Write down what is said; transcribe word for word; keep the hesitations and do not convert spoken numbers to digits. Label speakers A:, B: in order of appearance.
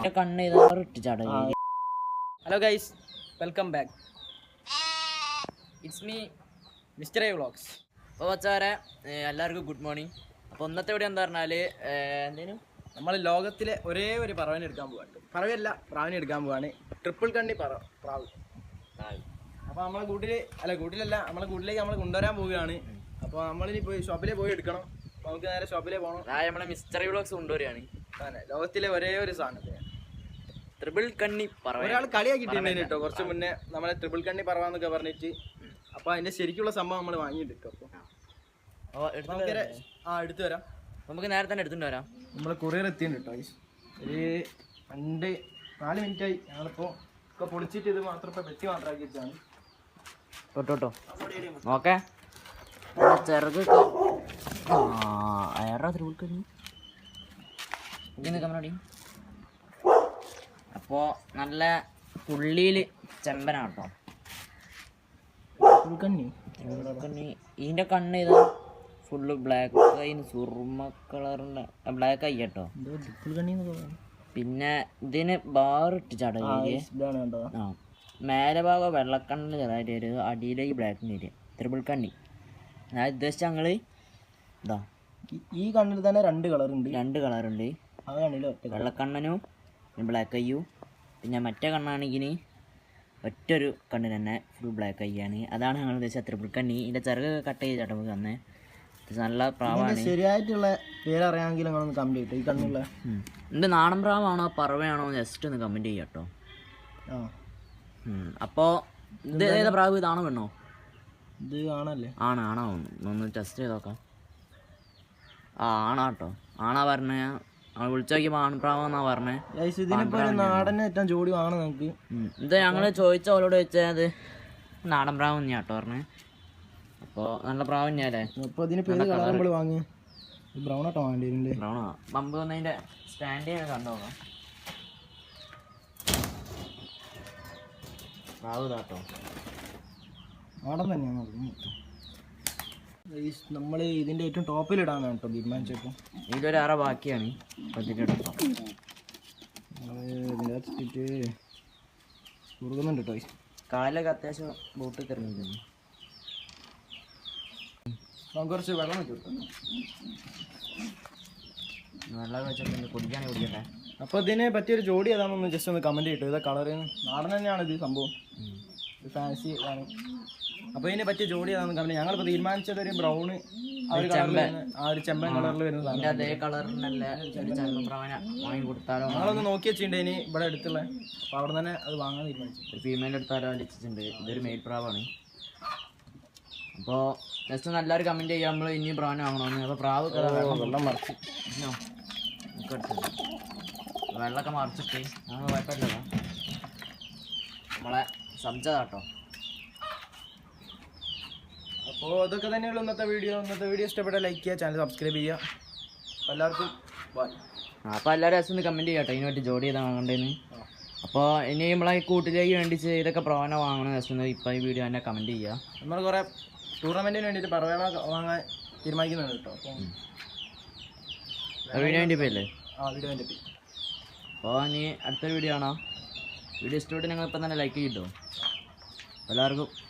A: Hello guys, welcome back. It's me mister A vlogs.
B: അപ്പോൾ വച്ചാരെ എല്ലാവർക്കും ഗുഡ് മോർണിംഗ്. അപ്പോൾ ഇന്നത്തെ ഇവിടെ എന്താ പറഞ്ഞാൽ എന്തേനും
A: നമ്മൾ ലോകത്തിലെ ഒരേ ഒരു പറവനെ എടുക്കാൻ പോവാണ്. പറവയല്ല, പ്രാവിനെ എടുക്കാൻ പോവാണ്. ട്രിപ്പിൾ കണ്ണി പറ പ്രാവ്. അപ്പോൾ നമ്മളെ കൂട്ടിൽ അല്ല കൂട്ടിലല്ല നമ്മളെ കൂട്ടിലേക്ക് നമ്മൾ കൊണ്ടുവരാൻ പോവുകയാണ്. അപ്പോൾ നമ്മളിനി പോയി ഷോപ്പിലേ പോയി എടുക്കണം. അപ്പോൾ നമുക്ക് നേരെ ഷോപ്പിലേ പോകണം.
B: നമ്മളെ മിസ്റ്റർ എ വ്ളോഗ്സ് കൊണ്ടുവരികയാണ്.
A: അതെ, ലോകത്തിലെ ഒരേ ഒരു സാധനം
B: ട്രിപ്പിൾ കണ്ണി പറവ.
A: ഒരാൾ കളിയാക്കിയിട്ടുണ്ട് കേട്ടോ കുറച്ച് മുന്നേ, നമ്മളെ ട്രിപ്പിൾ കണ്ണി പറവാന്നൊക്കെ പറഞ്ഞിട്ട്. അപ്പോൾ അതിൻ്റെ ശരിക്കുള്ള സംഭവം നമ്മൾ വാങ്ങിയിട്ടുണ്ട്. അപ്പോൾ ആ എടുത്തു വരാം.
B: നമുക്ക് നേരെ തന്നെ എടുത്തുകൊണ്ട് വരാം.
A: നമ്മൾ കൊറിയർ എത്തിയിട്ടുണ്ട് കേട്ടോ. ഒരു രണ്ട് നാല് മിനിറ്റായി. ഞങ്ങളിപ്പോൾ ഒക്കെ പൊളിച്ചിട്ട് ഇത് മാത്രം ഇപ്പോൾ വെട്ടി മാത്രമാക്കി വെച്ചാണ്.
B: തൊട്ടോ ഓക്കെ. ചെറുത് അയാറാ ട്രിപ്പിൾ കണ്ണി കമ്മടി. അപ്പോൾ നല്ല പുള്ളിയിൽ ചെമ്പനാട്ടോ
A: കണ്ണി.
B: കണ്ണി ഇതിൻ്റെ കണ്ണ് ഇത് ഫുള്ള് ബ്ലാക്ക് ആയി, സുറുമ കളറിൻ്റെ ബ്ലാക്ക് ആയി കേട്ടോ. പിന്നെ ഇതിന് ബാറിട്ട് ചടങ്ങ് ആ മേലെ ഭാഗം വെള്ളക്കണ്ണിന് ചെറുതായിട്ട് വരും, അടിയിലേക്ക് ബ്ലാക്കിന് വരിക. ട്രിപ്പിൾ കണ്ണി ഞാൻ ഉദ്ദേശിച്ച ഞങ്ങൾ ഇതാ
A: ഈ കണ്ണിൽ തന്നെ രണ്ട് കളറുണ്ട്.
B: രണ്ട് കളറുണ്ട്. വെള്ളക്കണ്ണനും ബ്ലാക്ക് അയ്യും. പിന്നെ മറ്റേ കണ്ണാണെങ്കിൽ ഒറ്റൊരു കണ്ണിന് തന്നെ ഫുൾ ബ്ലാക്ക് അയ്യാണ്. അതാണ് ഞങ്ങൾ ഉദ്ദേശിച്ച ട്രിപ്പിൾ കണ്ണി. ഇതിൻ്റെ ചെറുതൊക്കെ കട്ട് ചെയ്ത് ചട്ടമ്പ് തന്നെ നല്ല പ്രാവാണ്.
A: ശരിയായിട്ടുള്ള പേരറിയാമെങ്കിൽ നിങ്ങളൊന്ന് കമൻറ്റ് ചെയ്യട്ടോ. ഈ കണ്ണുള്ള
B: ഇത് നാടൻ പ്രാവാണോ പറവയാണോ ജസ്റ്റ് ഒന്ന് കമൻറ്റ് ചെയ്യാം കേട്ടോ. അപ്പോൾ ഇത് ഏതാ പ്രാവ്? ഇതാണോ വേണോ?
A: ഇത് ആണല്ലേ?
B: ആണ് ആണോ ഒന്ന് ടെസ്റ്റ് ചെയ്ത് നോക്കാം. ആ ആണാ കേട്ടോ, ആണാ പറഞ്ഞ വിളിച്ചു നോക്കിയപ്പോൾ ആൺപ്രാവെന്നാ പറഞ്ഞേ.
A: നാടനെ ഏറ്റവും ജോഡി വാങ്ങണം നമുക്ക്.
B: ഇത് ഞങ്ങൾ ചോദിച്ച അവരോട് ചോദിച്ചാൽ അത് നാടൻ പ്രാവ് തന്നെയാ കേട്ടോ പറഞ്ഞേ. അപ്പോൾ നല്ല പ്രാവ് തന്നെയല്ലേ.
A: അപ്പോൾ ഇതിന് പേര് കളർ നമ്മൾ വാങ്ങി ബ്രൗൺ ആട്ടോ വാങ്ങേണ്ടി വരില്ലേ?
B: ബ്രൗണാ. പമ്പ് വന്നതിൻ്റെ സ്റ്റാൻഡ് ചെയ്യാൻ കണ്ടു നോക്കാം. പ്രാവ് ഇതാട്ടോ,
A: നാടൻ തന്നെയാണ്. നമ്മൾ ഇതിൻ്റെ ഏറ്റവും ടോപ്പിലിടാനാണ് കേട്ടോ തീരുമാനിച്ചപ്പോൾ.
B: ഇതിലൊരു അറ ബാക്കിയാണ് ഇതിൻ്റെ
A: കൊടുക്കുന്നുണ്ട് കേട്ടോ.
B: കാലിലൊക്കെ അത്യാവശ്യം ബോട്ട് കയറിയിരുന്നു.
A: നമുക്ക് കുറച്ച് വെള്ളം വെച്ചു കൊടുക്കാം.
B: വെള്ളം വെച്ചിട്ട് കുടിക്കാനേ കുടിക്കട്ടെ.
A: അപ്പോൾ ഇതിനെ പറ്റിയൊരു ജോഡി ഏതാണെന്ന് ജസ്റ്റ് ഒന്ന് കമൻറ്റ് ചെയ്തിട്ടു. ഇതാ കളറ് നാടൻ തന്നെയാണ് ഇത് സംഭവം, ഫാൻസി ആണ്. അപ്പോൾ ഇതിനെ പറ്റിയ ജോഡി ഏതാണെന്ന് കമൻറ്റ്. ഞങ്ങളിപ്പോൾ തീരുമാനിച്ചത് ഒരു ബ്രൗണ് ആ ഒരു കളറിൽ ആ ഒരു ചെമ്പൻ കളറിൽ വരുന്നതാണ്.
B: അതേ കളറിനല്ല വാങ്ങി കൊടുത്താലോ?
A: ഞങ്ങളൊന്ന് നോക്കി വെച്ചിട്ടുണ്ട് ഇനി ഇവിടെ അടുത്തുള്ള. അപ്പോൾ അവിടെ തന്നെ അത് വാങ്ങാൻ തീരുമാനിച്ചു.
B: ഒരു ഫീമെയിൽ എടുത്താലോ അടിച്ചിട്ടുണ്ട്. ഇതൊരു മെയിൽ പ്രാവാണ്. അപ്പോൾ ജസ്റ്റ് ഒന്ന് എല്ലാവരും കമൻറ്റ് ചെയ്യാം നമ്മൾ ഇനി പ്രാവിനെ വാങ്ങണമെന്ന്. അപ്പോൾ പ്രാവ്
A: വെള്ളം മറിച്ച്
B: വെള്ളമൊക്കെ മറിച്ചിട്ട് ഞങ്ങൾ കുഴപ്പമില്ലല്ലോ. നമ്മളെ സബ്ജാട്ടോ.
A: അപ്പോൾ അതൊക്കെ തന്നെയുള്ളൂ ഇന്നത്തെ വീഡിയോ. ഇന്നത്തെ വീഡിയോ ഇഷ്ടപ്പെട്ടാൽ ലൈക്ക് ചെയ്യുക, ചാനൽ സബ്സ്ക്രൈബ് ചെയ്യുക. അപ്പോൾ എല്ലാവർക്കും ബൈ.
B: അപ്പോൾ എല്ലാവരും ജസ്റ്റ് ഒന്ന് കമൻറ്റ് ചെയ്യാം കേട്ടോ ഇതിന് പറ്റി ജോഡി ചെയ്താൽ വാങ്ങേണ്ടതെന്ന്. അപ്പോൾ ഇനി നമ്മളെ കൂട്ടിലേക്ക് വേണ്ടിച്ച് ഇതൊക്കെ പ്രാവനെ വാങ്ങണം ജസ്റ്റ് ഒന്ന് ഇപ്പോൾ ഈ വീഡിയോ തന്നെ കമൻറ്റ് ചെയ്യുക.
A: നമ്മൾ കുറേ ടൂർണമെൻറ്റിന് വേണ്ടിയിട്ട് പറവ വാങ്ങാൻ തീരുമാനിക്കുന്നുണ്ട് കേട്ടോ.
B: അപ്പോൾ വീഡിയോ വേണ്ടി പോയല്ലേ?
A: ആ വീഡിയോ വേണ്ടി പോയി.
B: അപ്പോൾ ഇനി അടുത്തൊരു വീഡിയോ ആണോ? വീഡിയോ ഇഷ്ടപ്പെട്ട് ഞങ്ങൾ ഇപ്പം തന്നെ ലൈക്ക് ചെയ്തിട്ടോ. എല്ലാവർക്കും